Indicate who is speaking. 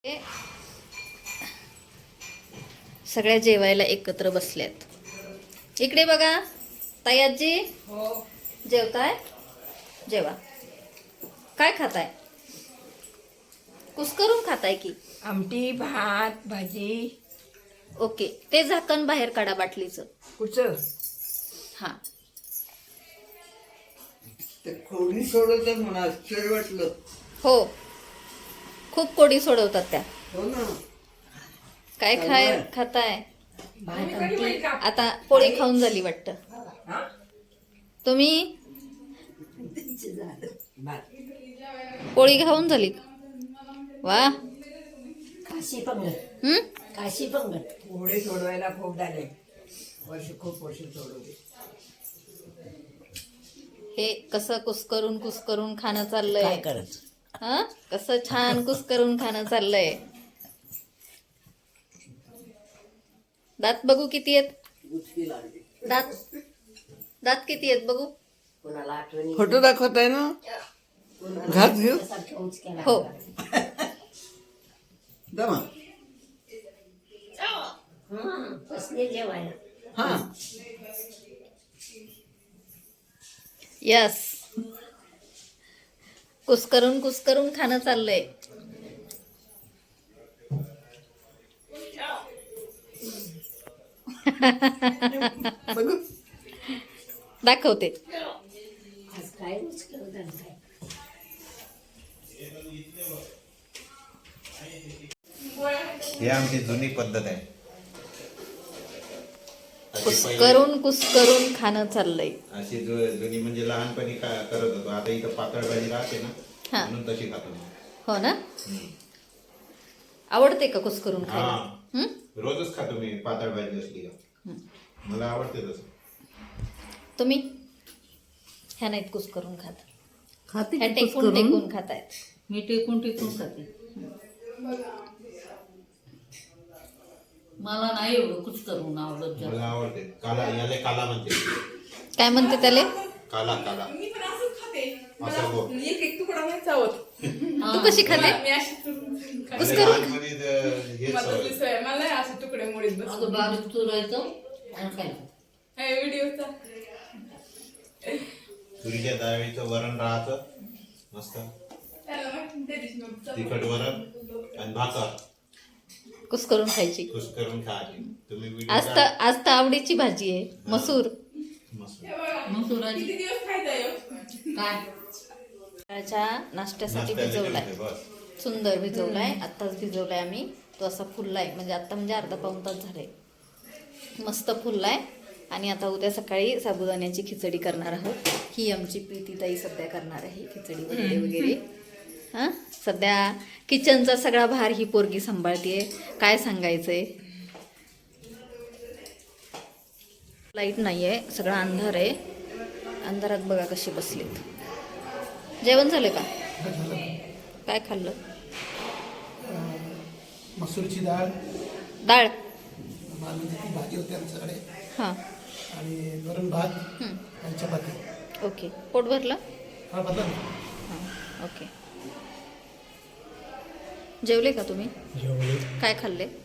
Speaker 1: सगळ्या जेवायला एकत्र बसल्यात. इकडे बघा ताई आजी.
Speaker 2: हो.
Speaker 1: जेवताय? जेवा. काय खाताय? कुस्करून खाताय की?
Speaker 2: आमटी, भात, भाजी.
Speaker 1: ओके, ते झाकण बाहेर काढा बाटलीचं.
Speaker 2: कुठं?
Speaker 1: हा.
Speaker 3: ते खोडी सोडवतात मला आश्चर्य वाटलं.
Speaker 1: हो, खूप कोडी सोडवतात त्या.
Speaker 3: हो ना.
Speaker 1: काय खाताय?
Speaker 2: भात, आमटी.
Speaker 1: आता पोळी खाऊन झाली वाटतं.
Speaker 2: हा?
Speaker 1: तुम्ही
Speaker 2: भात.
Speaker 1: पोळी खाऊन झाली? वा.
Speaker 2: काशी पंगत. काशी पंगत. पोळे सोडवायला खूप झाले. खूप वर्ष सोडवले.
Speaker 1: हे कसं कुस्करून खाणं चाललंय.
Speaker 2: काय करत?
Speaker 1: हा, कसं छान कुस्करून खाणं चाललंय. दात बघू किती आहेत? दात किती आहेत बघू?
Speaker 2: कोणाला आठवणी?
Speaker 3: फोटो दाखवताय ना? घात घेऊ
Speaker 1: हो.
Speaker 3: दमा.
Speaker 2: बसले जेवायला.
Speaker 3: हा.
Speaker 1: यस. कुस्करून खाणं चाललंय.
Speaker 3: बघू.
Speaker 1: दाखवते.
Speaker 2: आज काय उचललं काय?
Speaker 4: ही आमची जुनी पद्धत आहे.
Speaker 1: कुस्करून खाणं चाललंय.
Speaker 4: अशी जुनी म्हणजे लहानपणी करत होतो. आता इथं पातळ भाजी राहते ना,
Speaker 1: हा.
Speaker 4: म्हणून तशी खातो.
Speaker 1: हो ना. आवडते का कुस्करून खायला?
Speaker 4: हा, रोजच खातो मी पातळ भाजी असली का. मला आवडते तसं.
Speaker 1: तुम्ही ह्या नाहीत कुस्करून खात,
Speaker 3: खाते
Speaker 1: ह्या टेकून खातायत.
Speaker 5: मी टेकून खाते. मला नाही एवढं कुछ करून आवडत जास्त.
Speaker 4: मला आवडते. काला, याले काला म्हणते.
Speaker 1: काय म्हणते त्याले?
Speaker 4: काला.
Speaker 6: मी पण असंच खाते.
Speaker 4: असं गो.
Speaker 6: मला एक तुकडा नाही चावत.
Speaker 1: तू कशी खाते?
Speaker 6: मी अशी खाते.
Speaker 1: कुस्करून
Speaker 4: लहानपणी हेच
Speaker 6: मला
Speaker 4: सवय.
Speaker 6: दुसरं आहे. मला नाही असे तुकडे मुळीत बस.
Speaker 5: अगं बारीक चुरायचं आणि खायचं.
Speaker 6: हे व्हिडिओचा
Speaker 4: तुरीच्या डाळीचं वरण राहतं मस्त,
Speaker 6: त्याला माहिती त्या दिवशी मग चपाती.
Speaker 4: तिखट वरण आणि भाकर
Speaker 1: कुस्करून खायची.
Speaker 4: खुश करून खायची. तुम्ही व्हिडिओ
Speaker 1: आज तर आवडीची भाजी आहे मसूर.
Speaker 4: मस्त.
Speaker 6: हे बघा,
Speaker 5: मसुराची
Speaker 6: किती दिवस खायचा ह्यो?
Speaker 5: काय?
Speaker 1: सकाळच्या नाश्त्यासाठी भिजवलाय.
Speaker 4: बस.
Speaker 1: सुंदर भिजवलाय. आत्ताच भिजवलाय आम्ही. तो असा फुललाय, म्हणजे आता म्हणजे अर्धा पाऊण तास झालाय. मस्त फुललाय. आणि आता उद्या सकाळी साबुदाण्याची खिचडी करणार आहोत. ही आमची प्रीतीताई सध्या करणार आहे खिचडी वगैरे. हां, सध्या किचनचा सगळा भार ही पोरगी सांभाळतीये. काय सांगायचंय. लाईट नाही आहे, सगळा अंधार आहे. अंधारात बघा कशी बसलीत. जेवण झालं का? काय खाल्लं?
Speaker 7: मसूरची डाळ,
Speaker 1: डाळ.
Speaker 7: मालवणीची भाजी होती आमच्याकडे,
Speaker 1: हां.
Speaker 7: आणि वरण भात आणि चपाती.
Speaker 1: ओके, पोट भरलं?
Speaker 7: हा बदला ना.
Speaker 1: हां, ओके. जेवले का तुम्ही?
Speaker 7: जेवले.
Speaker 1: काय खाल्ले?